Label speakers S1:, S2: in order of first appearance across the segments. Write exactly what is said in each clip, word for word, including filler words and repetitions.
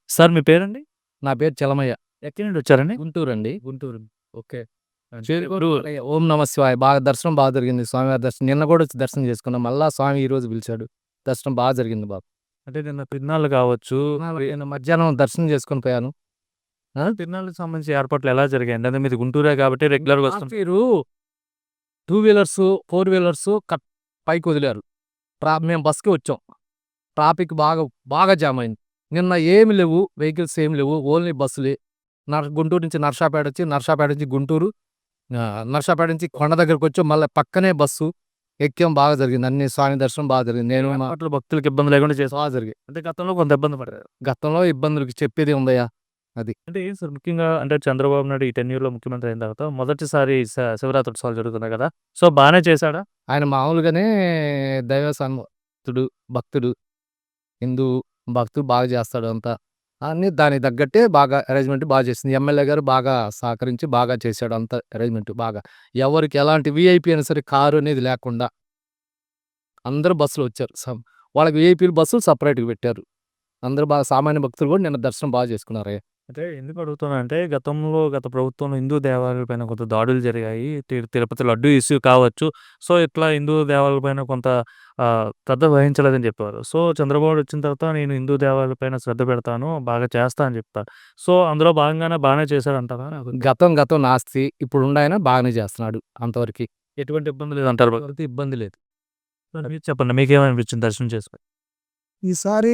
S1: Sir మీ పేరండి?
S2: నా పేరు చలమయ్య.
S1: ఎక్కడి నుండి వచ్చారండి?
S2: గుంటూరండి.
S1: గుంటూరు. ఓకే. అంటే
S2: పేరు
S1: ఇప్పుడు
S2: కూడా ఓం నమ శివాయ. బాగా దర్శనం బాగా జరిగింది. స్వామివారి దర్శనం. నిన్న కూడా వచ్చి దర్శనం చేసుకున్నాం. మళ్ళా స్వామి ఈరోజు పిలిచాడు. దర్శనం బాగా జరిగింది బాబు.
S1: అంటే నిన్న తిరునాళ్ళు కావచ్చు.
S2: నిన్న మధ్యాహ్నం దర్శనం చేసుకొని పోయాను. ఆ?
S1: తిరునాళ్ళకి సంబంధించి ఏర్పాట్లు ఎలా జరిగాయండి? అంటే మీది గుంటూరే కాబట్టి రెగ్యులర్‌గా వస్తుంటారు.
S2: మీరు two wheelers, four wheelers cut పైకి వదిలారు. ట్రా మేము బస్‌కి వచ్చాం. ట్రాఫిక్ బాగా బాగా జామ్ అయింది. నిన్న ఏమి లేవు. వెహికల్స్ ఏమి లేవు. ఓన్లీ బస్సులే. నర్ గుంటూరు నుంచి నర్సాపేట వచ్చి, నర్సాపేట నుంచి గుంటూరు, ఆహ్, నర్సాపేట నుంచి కొండ దగ్గరకొచ్చాం. మళ్ళా పక్కనే బస్సు ఎక్కాం. బాగా జరిగింది. అన్ని స్వామి దర్శనం బాగా జరిగింది. నేను మా
S1: ఏర్పాట్లు భక్తులకు ఇబ్బంది లేకుండా చేశారు.
S2: బాగా జరిగాయి.
S1: అంటే గతంలో కొంత ఇబ్బంది పడ్డారు.
S2: గతంలో ఇబ్బందులకి చెప్పేదేముందయ్యా అది.
S1: అంటే ఏం సార్ ముఖ్యంగా అంటే చంద్రబాబు నాయుడు ఈ టెన్యూర్‌లో ముఖ్యమంత్రి అయిన తర్వాత మొదటిసారి శ శివరాత్రి ఉత్సవాలు జరుగుతున్నాయి కదా! సో, బానే చేశాడా?
S2: ఆయన మామూలుగానే దైవ సన్నిహితుడు, భక్తుడు, హిందూ భక్తుడు బాగా చేస్తాడు అంతా. అన్నీ దానికి తగ్గట్టే బాగా అరేంజ్‌మెంట్ బాగా చేసింది. ఎమ్మెల్యే గారు బాగా సహకరించి బాగా చేశాడు అంతా అరేంజ్‌మెంట్ బాగా. ఎవరికి ఎలాంటి వీఐపీ అయినా సరే కారు అనేది లేకుండా అందరూ బస్సులో వచ్చారు. సం వాళ్ళకి వీఐపీలు బస్సులు సెపరేట్‌గా పెట్టారు. అందరూ బాగా సామాన్య భక్తులు కూడా నిన్న దర్శనం బాగా చేసుకున్నారయ్య.
S1: అంటే ఎందుకు అడుగుతున్నానంటే గతంలో గత ప్రభుత్వంలో హిందూ దేవాలయాలపైన కొంత దాడులు జరిగాయి. తి తిరుపతి లడ్డూ ఇష్యూ కావచ్చు. సో, ఇట్లా హిందూ దేవాలయాలపైన కొంత ఆహ్, శ్రద్ధ వహించలేదని చెప్పేవారు. సో, చంద్రబాబు వచ్చిన తర్వాత నేను హిందూ దేవాలయాలపైన శ్రద్ధ పెడతాను, బాగా చేస్తా అని చెప్తారు. సో, అందులో భాగంగానే బానే చేశాడంటారా?
S2: గతం గతం నాస్తి. ఇప్పుడుండాయన బాగానే చేస్తున్నాడు అంతవరకి.
S1: ఎటువంటి ఇబ్బంది లేదంటారు.
S2: ఎవరికీ ఇబ్బంది లేదు.
S1: మీరు చెప్పండి మీకేమనిపించింది దర్శనం చేసుకొని?
S3: ఈసారి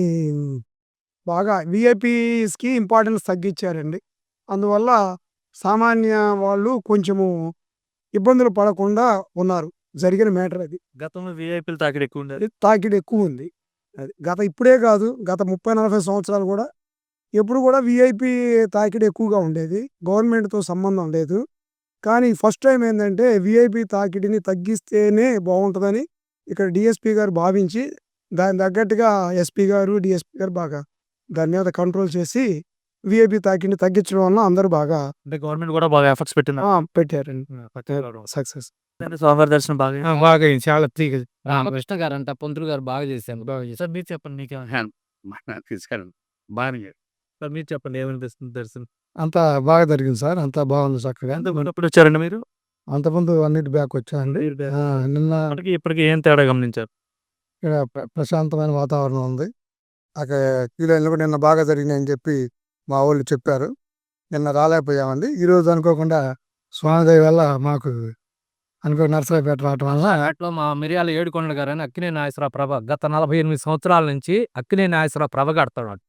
S3: బాగా వీఐపీస్‌కి ఇంపార్టెన్స్ తగ్గిచ్చారండి. అందువల్ల సామాన్య వాళ్ళు కొంచెము ఇబ్బందులు పడకుండా ఉన్నారు. జరిగిన మ్యాటర్ అది.
S1: గతంలో వీఐపీల తాకిడి ఎక్కువుండేది.
S3: అది తాకిడి ఎక్కువుంది. అది. గత ఇప్పుడే కాదు, గత ముప్పై, నలభై సంవత్సరాలు కూడా ఎప్పుడు కూడా వీఐపీ తాకిడి ఎక్కువగా ఉండేది. గవర్నమెంట్‌తో సంబంధం లేదు. కానీ ఫస్ట్ టైమ్ ఏందంటే వీఐపీ తాకిడిని తగ్గిస్తేనే బావుంటదని ఇక్కడ డీఎస్పీ గారు భావించి దానికి తగ్గట్టుగా ఎస్పీ గారు, డీఎస్పీ గారు బాగా దాని మీద కంట్రోల్ చేసి వీఐపీ తాకిడిని తగ్గించడం వలన అందరూ బాగా
S1: అంటే గవర్నమెంట్ కూడా బాగా ఎఫర్ట్స్ పెట్టిందా?
S3: ఆ! పెట్టారండి. సక్సెస్.
S1: అంటే స్వామివారి దర్శనం బాగా
S2: ఆ! బాగా అయింది. చాలా తీగ రామకృష్ణ గారంట, పంతులు గారు బాగా చేశారు. బాగా చేశారు.
S1: సార్ మీరు చెప్పండి మీకేమన్నా
S4: తీసుకెళ్ళండి బాగానే
S1: సార్ మీరు చెప్పండి ఏమనిపిస్తుంది దర్శనం?
S3: అంతా బాగా జరిగింది సార్. అంతా బాగుంది చక్కగా.
S1: అంతకుముందు ఎప్పుడు వచ్చారండి మీరు?
S3: అంతకుముందు అన్నిటి బ్యాక్ వచ్చానండి.
S1: మీరు బ్యాక్
S3: ఆ! నిన్న
S1: అప్పటికి ఇప్పటికి ఏం తేడా గమనించారు?
S3: ఇక్కడ ప్ర ప్రశాంతమైన వాతావరణం ఉంది. అక్కడ క్యూ లైన్‌లో కూడా నిన్న బాగా జరిగినాయని చెప్పి మా వోళ్ళు చెప్పారు. నిన్న రాలేకపోయామండి. ఈరోజు అనుకోకుండా స్వామి దయ వల్ల మాకు అనుకో నర్సరావుపేట రావటం వల్ల
S2: అట్లో మా మిర్యాల ఏడుకొండల గారని అక్కినేని నాగేశ్వరరావు ప్రభ గత నలభై ఎనిమిది సంవత్సరాల నుంచి అక్కినేని నాగేశ్వరరావు ప్రభ కడతాడు.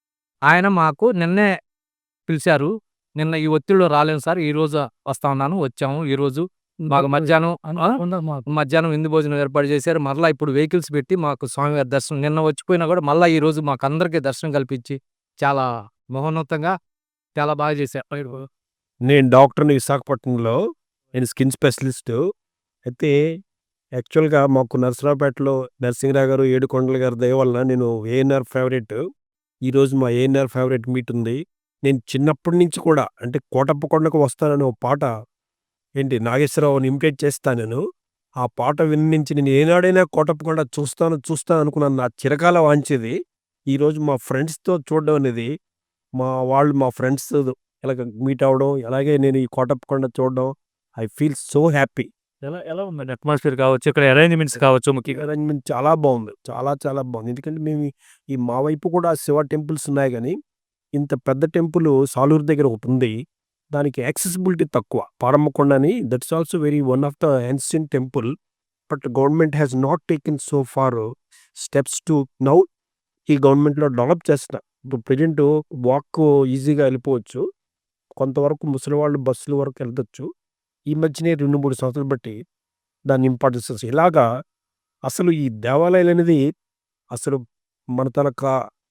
S2: ఆయన మాకు నిన్నే పిలిచారు. నిన్న ఈ ఒత్తిడిలో రాలేను సార్. ఈరోజు వస్తా ఉన్నాను. వచ్చాము ఈరోజు. మాకు మధ్యాహ్నం ఆ? మధ్యాహ్నం విందు భోజనం ఏర్పాటు చేశారు. మరలా ఇప్పుడు వెహికల్స్ పెట్టి మాకు స్వామివారి దర్శనం నిన్న వచ్చిపోయినా కూడా మళ్ళా ఈరోజు మాకు అందరికీ దర్శనం కల్పించి చాలా మహోన్నతంగా చాలా బాగా చేశారు.
S4: నేను డాక్టర్‌ని విశాఖపట్నంలో. నేను స్కిన్ స్పెషలిస్టు. అయితే యాక్చువల్‌గా మాకు నరసరావుపేటలో నరసింహరావు గారు, ఏడుకొండల గారి దయ వలన నేను ఏఎన్ఆర్ ఫేవరెట్. ఈరోజు మా ఏఎన్ఆర్ ఫేవరెట్ మీట్ ఉంది. నేను చిన్నప్పటి నుంచి కూడా అంటే కోటప్ప కొండకు వస్తానని ఒక పాట ఏంటి నాగేశ్వరరావుని ఇమిటేట్ చేస్తా నేను. ఆ పాట విని నుంచి నేను ఏనాడైనా కోటప్ప కొండ చూస్తాను, చూస్తాను అనుకున్నాను. నా చిరకాల వాంఛిది. ఈరోజు మా ఫ్రెండ్స్‌తో చూడడం అనేది మా వాళ్ళు మా ఫ్రెండ్స్ ఇలాగ మీట్ అవ్వడం, అలాగే నేను ఈ కోటప్ప కొండ చూడడం ఐ ఫీల్ సో హ్యాపీ.
S1: ఎలా ఎలా ఉందండి అట్మాస్ఫియర్ కావచ్చు, ఇక్కడ అరేంజ్‌మెంట్స్ కావచ్చు ముఖ్యంగా?
S4: అరేంజ్‌మెంట్ చాలా బాగుంది. చాలా చాలా బాగుంది. ఎందుకంటే మేము ఈ- ఈ మా వైపు కూడా శివ టెంపుల్స్ ఉన్నాయి గానీ, ఇంత పెద్ద టెంపుల్ సాలూరు దగ్గర ఒకటుంది. దానికి యాక్సెసిబిలిటీ తక్కువ. పారమ్మకొండ అని that's also very one of the ancient temple. But government has not taken so far steps to now ఈ గవర్నమెంట్‌లో డెవలప్ చేస్తున్నారు. ఇప్పుడు ప్రెజెంట్ వాక్ ఈజీగా వెళ్ళిపోవచ్చు. కొంతవరకు ముసలివాళ్ళు బస్సుల వరకు వెళ్ళొచ్చు. ఈ మధ్యనే రెండు, మూడు సంవత్సరాలు బట్టి దాని ఇంపార్టెన్స్ వస్తుంది. ఇలాగా అసలు ఈ దేవాలయాలనేది అసలు మన తనక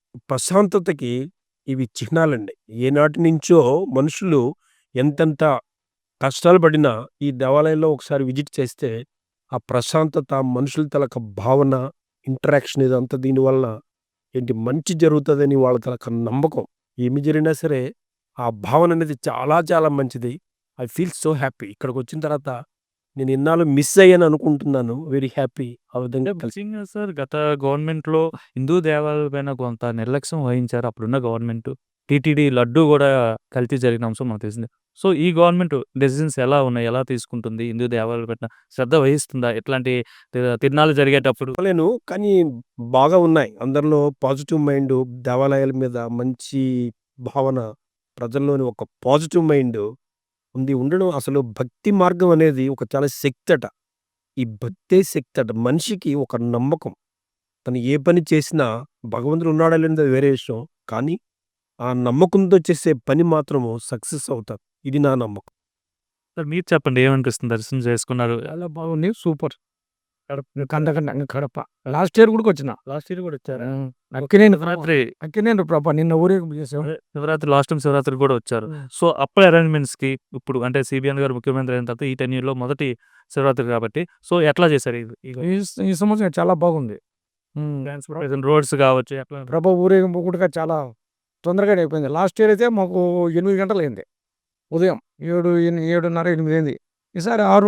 S4: ప్రశాంతతకి ఇవి చిహ్నాలండి. ఏనాటి నుంచో మనుషులు ఎంతెంత కష్టాలు పడినా ఈ దేవాలయంలో ఒకసారి విజిట్ చేస్తే ఆ ప్రశాంతత, మనుషుల తలక భావన, ఇంటరాక్షన్ ఇదంతా దీనివల్ల ఏంటి మంచి జరుగుతుందని వాళ్ళ తలక నమ్మకం. ఏమి జరిగినా సరే ఆ భావన అనేది చాలా చాలా మంచిది. I feel so happy. ఇక్కడికి వచ్చిన తర్వాత నేను ఇన్నాళ్ళు మిస్ అయ్యాను అనుకుంటున్నాను. వెరీ హ్యాపీ ఆ విధంగా
S1: అంటే
S4: కలిసి.
S1: ముఖ్యంగా సార్ గత గవర్నమెంట్‌లో హిందూ దేవాలయాల పైన కొంత నిర్లక్ష్యం వహించారు అప్పుడున్న గవర్నమెంట్. టీటీడీ లడ్డూ గూడా కల్తీ జరిగిన అంశం మనకు తెలిసిందే. సో, ఈ గవర్నమెంట్ డెసిషన్స్ ఎలా ఉన్నాయి? ఎలా తీసుకుంటుంది? హిందూ దేవాలయాల పట్ల శ్రద్ధ వహిస్తుందా? ఇట్లాంటి తి తిరునాళ్ళు జరిగేటప్పుడు?
S4: చెప్పలేను. కానీ బాగా ఉన్నాయి. అందరిలో పాజిటివ్ మైండు, దేవాలయాల మీద మంచి భావన, ప్రజల్లోని ఒక పాజిటివ్ మైండు ఉంది. ఉండడం అసలు భక్తి మార్గం అనేది ఒక చాలా శక్తట. ఈ భక్తే శక్తట. మనిషికి ఒక నమ్మకం. తను ఏ పని చేసినా భగవంతుడు ఉన్నాడా లేనిది వేరే విషయం. కానీ ఆ నమ్మకంతో చేసే పని మాత్రము సక్సెస్ అవుతారు. ఇది నా నమ్మకం.
S1: సార్ మీరు చెప్పండి ఏమనిపిస్తుంది? దర్శనం చేసుకున్నారు.
S2: చాలా బాగుంది. సూపర్. కడప కందకండ కడప. లాస్ట్ ఇయర్ కూడా వచ్చిన.
S1: లాస్ట్ ఇయర్ కూడా వచ్చారా?
S2: అక్కినేని
S1: శివరాత్రి
S2: అక్కినేని ప్రభ నిన్న ఊరేగింపు చేసాం.
S1: అదే శివరాత్రి లాస్ట్ టైమ్ శివరాత్రికి కూడా వచ్చారు. సో, అప్పుడు అరేంజ్‌మెంట్స్‌కి ఇప్పుడు అంటే సీబీఎన్ గారు ముఖ్యమంత్రి అయిన తర్వాత ఈ టెన్యూర్‌లో మొదటి శివరాత్రి కాబట్టి సో, ఎట్లా చేశారు? ఇది ఈ
S2: ఈ ఈ సంవత్సరం చాలా బాగుంది.
S1: ట్రాన్స్‌పోర్టేషన్ రోడ్స్ కావచ్చు ఎట్లా?
S2: ప్రభ ఊరేగింపు కూడా చాలా తొందరగానే అయిపోయింది. లాస్ట్ ఇయర్ అయితే మాకు ఎనిమిది గంటలు అయింది. ఉదయం ఏడు ఎని ఏడున్నర ఎనిమిది అయింది. ఈసారి ఆరు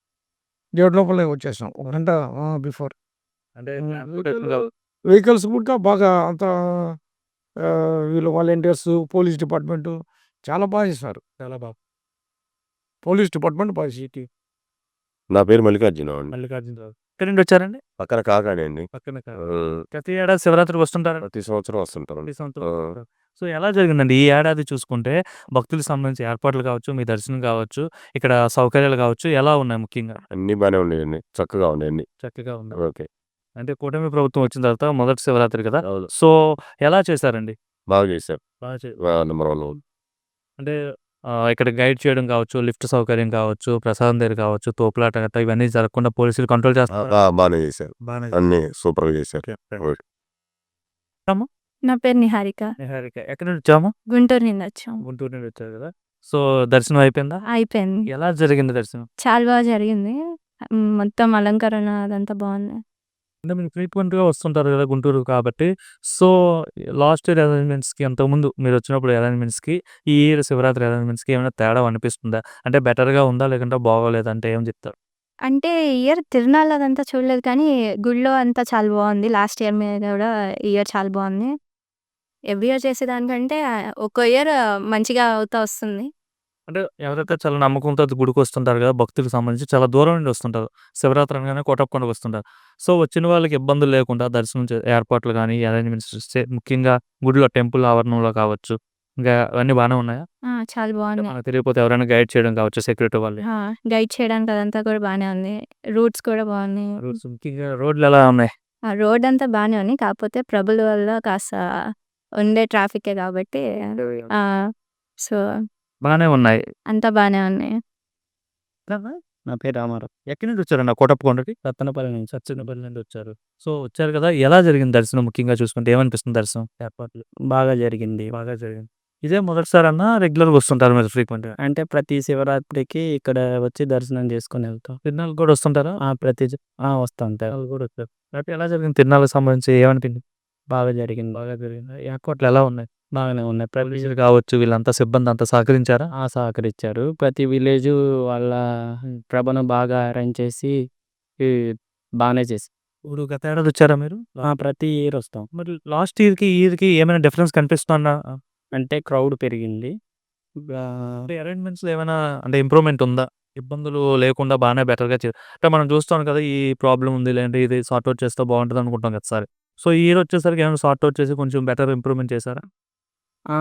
S2: ఏడు లోపలే వచ్చేసాం. ఒక గంట బిఫోర్.
S1: అంటే
S2: హ్మ్.
S1: ట్రాన్స్‌పోర్టేషన్ కావ
S2: వెహికల్స్ కూడా బాగా అంత ఆహ్, వీళ్ళు వాలంటీర్స్, పోలీస్ డిపార్ట్మెంటు చాలా బాగా చేశారు.
S1: చాలా బాగా.
S2: పోలీస్ డిపార్ట్మెంట్ బాగా సిటీ.
S5: నా పేరు మల్లికార్జున అండి.
S1: మల్లికార్జునరావు. ఎక్కడి నుండి వచ్చారండి?
S5: పక్కన కాకాని అండి.
S1: పక్కన కాదు.
S5: ఆహ్,
S1: ప్రతి ఏడాది శివరాత్రికి వస్తుంటారా?
S5: ప్రతి సంవత్సరం వస్తుంటారండి.
S1: ప్రతి సంవత్సరం
S5: ఆ!
S1: వస్తుంటారు. సో, ఎలా జరిగిందండి? ఈ ఏడాది చూసుకుంటే భక్తులకు సంబంధించి ఏర్పాట్లు కావచ్చు, మీ దర్శనం కావచ్చు, ఇక్కడ సౌకర్యాలు కావచ్చు ఎలా ఉన్నాయి ముఖ్యంగా?
S5: అన్నీ బానే ఉన్నాయండి. చక్కగా ఉన్నాయి అన్నీ.
S1: చక్కగా ఉంది.
S5: ఓకే.
S1: అంటే కూటమి ప్రభుత్వం వచ్చిన తర్వాత మొదటి శివరాత్రి కదా!
S5: అవును.
S1: సో, ఎలా చేశారండి?
S5: బాగా చేశారు.
S1: బాగా చే
S5: ఆ! Number one.
S1: అంటే ఆహ్, ఇక్కడ గైడ్ చేయడం కావచ్చు, లిఫ్ట్ సౌకర్యం కావచ్చు, ప్రసాదం దగ్గర కావచ్చు, తోపులాట గట్టా ఇవన్నీ జరగకుండా పోలీసులు కంట్రోల్
S5: ఆ!
S1: చేస్తున్నారా?
S5: ఆ! బానే చేశారు.
S1: బానే
S5: అన్నీ సూపర్‌గా చేశారు. ఓకే.
S1: అమ్మ?
S6: నా పేరు నిహారిక.
S1: నిహారిక. ఎక్కడి నుండి వచ్చావమ్మా?
S6: గుంటూరు నుండి వచ్చాం.
S1: గుంటూరు నుండి వచ్చారు కదా! సో, దర్శనం అయిపోయిందా?
S6: అయిపోయింది.
S1: ఎలా జరిగింది దర్శనం?
S6: చాలా బాగా జరిగింది. హ్మ్. మొత్తం అలంకరణ అదంతా బాగుంది.
S1: అంటే మీరు ఫ్రీక్వెంట్‌గా వస్తుంటారు కదా గుంటూరు కాబట్టి. సో, లాస్ట్ ఇయర్ అరేంజ్‌మెంట్స్‌కి అంతకుముందు మీరొచ్చినప్పుడు అరేంజ్‌మెంట్స్‌కి, ఈ ఇయర్ శివరాత్రి అరేంజ్‌మెంట్స్‌కి ఏమైనా తేడా అనిపిస్తుందా? అంటే బెటర్‌గా ఉందా? లేకుంటే బాగోలేదా? అంటే ఏం చెప్తారు?
S6: అంటే ఈ ఇయర్ తిరునాళ్ళ అదంతా చూడలేదు కానీ గుడిలో అంతా చాలా బాగుంది. లాస్ట్ ఇయర్ మీద కూడా ఈ ఇయర్ చాలా బాగుంది. ఎవ్రీ ఇయర్ చేసేదానికంటే ఒక్కో ఇయర్ మంచిగా అవుతా వస్తుంది.
S1: అంటే ఎవరైతే చాలా నమ్మకంతో గుడికొస్తుంటారు కదా! భక్తులకు సంబంధించి చాలా దూరం నుండి వస్తుంటారు. శివరాత్రి అనగానే కోటప్పకొండకు వస్తుంటారు. సో, వచ్చిన వాళ్ళకి ఇబ్బందులు లేకుండా దర్శనం చే ఏర్పాట్లు గానీ, అరేంజ్‌మెంట్స్ చే ముఖ్యంగా గుడిలో టెంపుల్ ఆవరణంలో కావచ్చు, ఇంకా అవన్నీ బానే ఉన్నాయా?
S6: ఆ! చాలా
S1: అంటే
S6: బాగున్నాయి.
S1: మనకు తెలియకపోతే ఎవరైనా గైడ్ చేయడం కావచ్చు సెక్యూరిటీ వాళ్ళే.
S6: ఆ! గైడ్ చేయడానికి అదంతా కూడా బానే ఉంది. రూట్స్ కూడా బాగున్నాయి.
S1: రూట్స్ ముఖ్యంగా రోడ్లు ఎలా ఉన్నాయి?
S6: ఆ రోడ్ అంతా బానే ఉంది. కాకపోతే ప్రభుల వల్ల కాస్త ఉండే ట్రాఫికే కాబట్టి ఆ! సో,
S1: బానే ఉన్నాయి.
S6: అంతా బానే ఉన్నాయి.
S1: నా పేరు రామారావు. ఎక్కడి నుండి వచ్చారండి ఆ కోటప్పకొండకి? సత్తెనపల్లి నుంచి. సత్తెనపల్లి నుండి వచ్చారు. సో, వచ్చారు కదా! ఎలా జరిగింది దర్శనం ముఖ్యంగా చూసుకుంటే ఏమనిపిస్తుంది దర్శనం ఏర్పాట్లు?
S7: బాగా జరిగింది.
S1: బాగా జరిగింది. ఇదే మొదటిసారన్నా రెగ్యులర్‌గా వస్తుంటారా మీరు ఫ్రీక్వెంట్‌గా?
S7: అంటే ప్రతి శివరాత్రికి ఇక్కడ వచ్చి దర్శనం చేసుకొని వెళ్తాం.
S1: తిరునాళ్ళకి కూడా వస్తుంటారా?
S7: ఆ! ప్రతి జ ఆ! వస్తుంటాం.
S1: తిరునాళ్ళకి కూడా వచ్చారు. కాబట్టి ఎలా జరిగింది తిరునాళ్ళకి సంబంధించి ఏమనిపించింది?
S7: బాగా జరిగింది.
S1: బాగా జరిగిందా? ఏర్పాట్లు ఎలా ఉన్నాయి?
S7: బాగానే ఉన్నాయి. ప్రతి
S1: పోలీసులు కావచ్చు వీళ్ళంతా సిబ్బంది అంతా సహకరించారా?
S7: ఆ! సహకరించారు. ప్రతి విలేజు వాళ్ళ ప్రభను బాగా అరేంజ్ చేసి ఈ బానే చేసి
S1: ఇప్పుడు గత ఏడాది వచ్చారా మీరు?
S7: ఆ! ప్రతి ఇయర్ వస్తాం.
S1: మరి లాస్ట్ ఇయర్‌కి, ఈ ఇయర్‌కి ఏమైనా డిఫరెన్స్ కనిపిస్తుందా?
S7: అంటే క్రౌడ్ పెరిగింది. గా
S1: అంటే అరేంజ్‌మెంట్స్‌లో ఏమైనా అంటే ఇంప్రూవ్‌మెంట్ ఉందా? ఇబ్బందులు లేకుండా బానే బెటర్‌గా చే అంటే మనం చూస్తాం కదా! ఈ ప్రాబ్లమ్ ఉంది లేదంటే ఇది సార్ట్ ఔట్ చేస్తే బాగుంటది అనుకుంటాం ప్రతిసారి. సో, ఈ ఇయర్ వచ్చేసరికి ఏమైనా సార్ట్ ఔట్ చేసి కొంచెం బెటర్ ఇంప్రూవ్‌మెంట్ చేశారా?
S7: ఆ!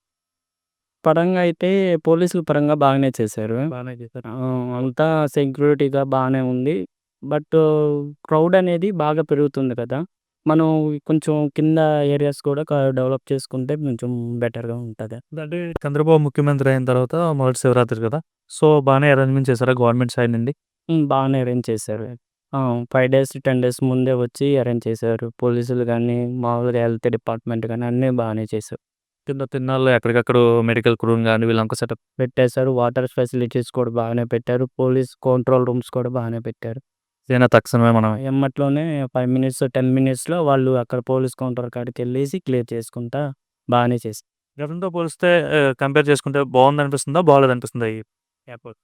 S7: పరంగా అయితే పోలీసుల పరంగా బాగానే చేశారు.
S1: బానే చేశారు.
S7: ఆ! అంతా సెక్యూరిటీగా బానే ఉంది. బట్ క్రౌడ్ అనేది బాగా పెరుగుతుంది కదా! మనం కొంచెం కింద ఏరియాస్ కూడా క డెవలప్ చేసుకుంటే కొంచెం బెటర్‌గా ఉంటది.
S1: అంటే చంద్రబాబు ముఖ్యమంత్రి అయిన తర్వాత మొదటి శివరాత్రి కదా! సో, బానే అరేంజ్‌మెంట్ చేశారా గవర్నమెంట్ సైడ్ నుండి?
S7: హ్మ్. బాగానే అరేంజ్ చేశారు. ఆ! ఐదు డేస్, పది డేస్ ముందే వచ్చి అరేంజ్ చేశారు. పోలీసులు గానీ, మామూలుగా హెల్త్ డిపార్ట్మెంట్ గానీ అన్నీ బాగానే చేశారు.
S1: కింద తిరునాళ్ళలో ఎక్కడికక్కడ మెడికల్ క్రూని గాని వీళ్ళంతా సెటప్
S7: పెట్టేశారు. వాటర్ ఫెసిలిటీస్ కూడా బాగానే పెట్టారు. పోలీస్ కంట్రోల్ రూమ్స్ కూడా బాగానే పెట్టారు.
S1: ఏదైనా తక్షణమే మనం
S7: ఎమ్మట్లోనే ఐదు మినిట్స్, పది మినిట్స్‌లో వాళ్ళు అక్కడ పోలీస్ కౌంటర్ కాడికెళ్ళేసి క్లియర్ చేసుకుంటా బానే చేశారు.
S1: గతంతో పోలిస్తే ఆహ్, కంపేర్ చేసుకుంటే బావుందనిపిస్తుందా? బాలేదనిపిస్తుందా ఈ ఎయిర్‌పోర్ట్?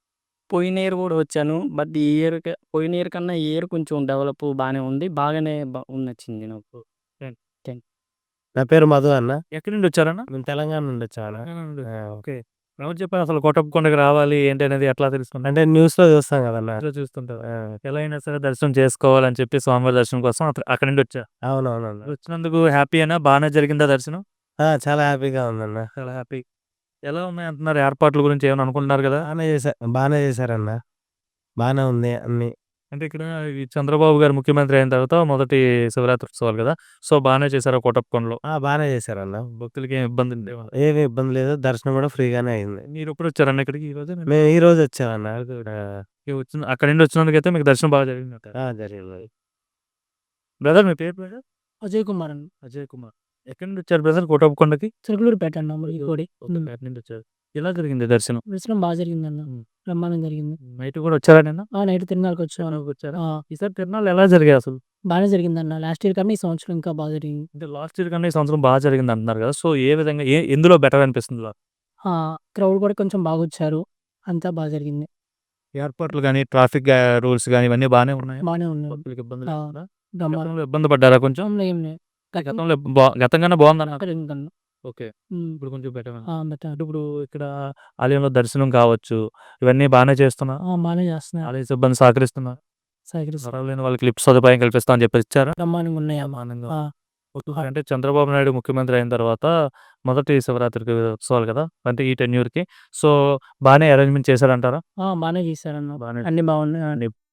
S7: పోయిన ఇయర్ కూడా వచ్చాను. బట్ ఈ ఇయర్ క పోయిన ఇయర్ కన్నా ఈ ఇయర్ కొంచెం డెవలప్ బానే ఉంది. బాగానే బ నచ్చింది నాకు.
S8: నా పేరు మధు అన్న.
S1: ఎక్కడి నుండి వచ్చారన్న?
S8: మేము తెలంగాణ నుండి వచ్చామన్న.
S1: తెలంగాణ నుండి.
S8: ఆ!
S1: ఓకే. ఎవరు చెప్పారు అసలు కోటప్పకొండకి రావాలి ఏంటి అనేది ఎట్లా తెలుసుకున్నారు?
S8: అంటే న్యూస్‌లో చూస్తాం కదన్న.
S1: ఇట్లా చూస్తుంటారు.
S8: ఆ!
S1: ఎలా అయినా సరే దర్శనం చేసుకోవాలని చెప్పి స్వామివారి దర్శనం కోసం అత అక్కడి నుండి వచ్చా.
S8: అవునవునన్న.
S1: వచ్చినందుకు హ్యాపీయేనా? బానే జరిగిందా దర్శనం?
S8: ఆ! చాలా హ్యాపీగా ఉందన్న.
S1: చాలా హ్యాపీ. ఎలా ఉన్నాయి అంటున్నారు ఏర్పాట్ల గురించి ఏమైనా అనుకుంటున్నారు కదా?
S8: బానే చేశా బానే చేశారన్న. బానే ఉంది అన్నీ.
S1: అంటే ఇక్కడ ఈ చంద్రబాబు గారు ముఖ్యమంత్రి అయిన తర్వాత మొదటి శివరాత్రి ఉత్సవాలు కదా! సో, బానే చేశారా కోటప్పకొండలో?
S8: ఆ! బానే చేశారన్న.
S1: భక్తులకి ఏం ఇబ్బంది లేవా?
S8: ఏమి ఇబ్బంది లేదు. దర్శనం కూడా ఫ్రీగానే అయింది.
S1: మీరెప్పుడు వచ్చారన్న ఇక్కడికి ఈ రోజే?
S8: మేము ఈ రోజు వచ్చామన్న. ఆ!
S1: వచ్చిన అక్కడి నుండి వచ్చినందుకైతే మీకు దర్శనం బాగా జరిగిందంటారు.
S8: ఆ! జరిగింది.
S1: బ్రదర్ మీ పేరు బ్రదర్?
S9: అజయ్ కుమార్ అండి.
S1: అజయ్ కుమార్. ఎక్కడి నుండి వచ్చారు బ్రదర్ కోటప్పకొండకి?
S9: చిలకలూరిపేట అన్న మరి కోడి
S1: ఓకే. పేట నుండి వచ్చారు. ఎలా జరిగింది దర్శనం?
S9: దర్శనం బాగా జరిగిందన్న.
S1: హ్మ్.
S9: బ్రహ్మాండం జరిగింది.
S1: నైట్ కూడా వచ్చారా నిన్న?
S9: ఆ నైట్ తిరునాళ్ళకి వచ్చాను.
S1: తిరునాళ్ళకి వచ్చారా?
S9: ఆ!
S1: ఈసారి తిరునాళ్ళు ఎలా జరిగాయి అసలు?
S9: బానే జరిగిందన్న. లాస్ట్ ఇయర్ కన్నా ఈ సంవత్సరం ఇంకా బాగా జరిగింది.
S1: అంటే లాస్ట్ ఇయర్ కన్నా ఈ సంవత్సరం బాగా జరిగింది అంటున్నారు కదా! సో, ఏ విధంగా ఏ ఎందులో బెటర్ అనిపిస్తుంది?
S9: ఆ! క్రౌడ్ కూడా కొంచెం బాగొచ్చారు. అంతా బాగా జరిగింది.
S1: ఏర్పాట్లు గాని, ట్రాఫిక్ గా రూల్స్ గాని ఇవన్నీ బానే ఉన్నాయా?
S9: బానే ఉన్నాయి.
S1: భక్తులకి ఇబ్బంది
S9: ఆ!
S1: లేకుండా?
S9: బ్రహ్మాండం.
S1: గతంలో ఇబ్బంది పడ్డారా కొంచెం?
S9: ఏం లేదు. గతం
S1: గతంలో బా గతం కన్నా బాగుందన్నారు.
S9: జరిగిందన్న.
S1: ఓకే.
S9: హ్మ్.
S1: ఇప్పుడు కొంచెం బెటర్.
S9: ఆ! బెటర్.
S1: అంటే ఇప్పుడు ఇక్కడ ఆలయంలో దర్శనం కావచ్చు, ఇవన్నీ బానే చేస్తున్నారు.
S9: ఆ! బానే చేస్తున్నారు.
S1: ఆలయ సిబ్బంది సహకరిస్తున్నారు.
S9: సహకరిస్తున్నారు.
S1: అర్హులైన వాళ్ళకి లిఫ్ట్ సదుపాయం కల్పిస్తామని చెప్పి ఇచ్చారా?
S9: బ్రహ్మాండంగా ఉన్నాయి అమ్మ.
S1: బ్రహ్మాండంగా.
S9: ఆ!
S1: ఓకే. అంటే చంద్రబాబు నాయుడు ముఖ్యమంత్రి అయిన తర్వాత మొదటి శివరాత్రికి ఉత్సవాలు కదా! అంటే ఈ టెన్యూర్‌కి. సో, బానే అరేంజ్‌మెంట్ చేశారంటారా?
S9: ఆ! బానే చేశారన్న.
S1: బానే
S9: అన్నీ బాగున్నాయి.
S1: అన్ని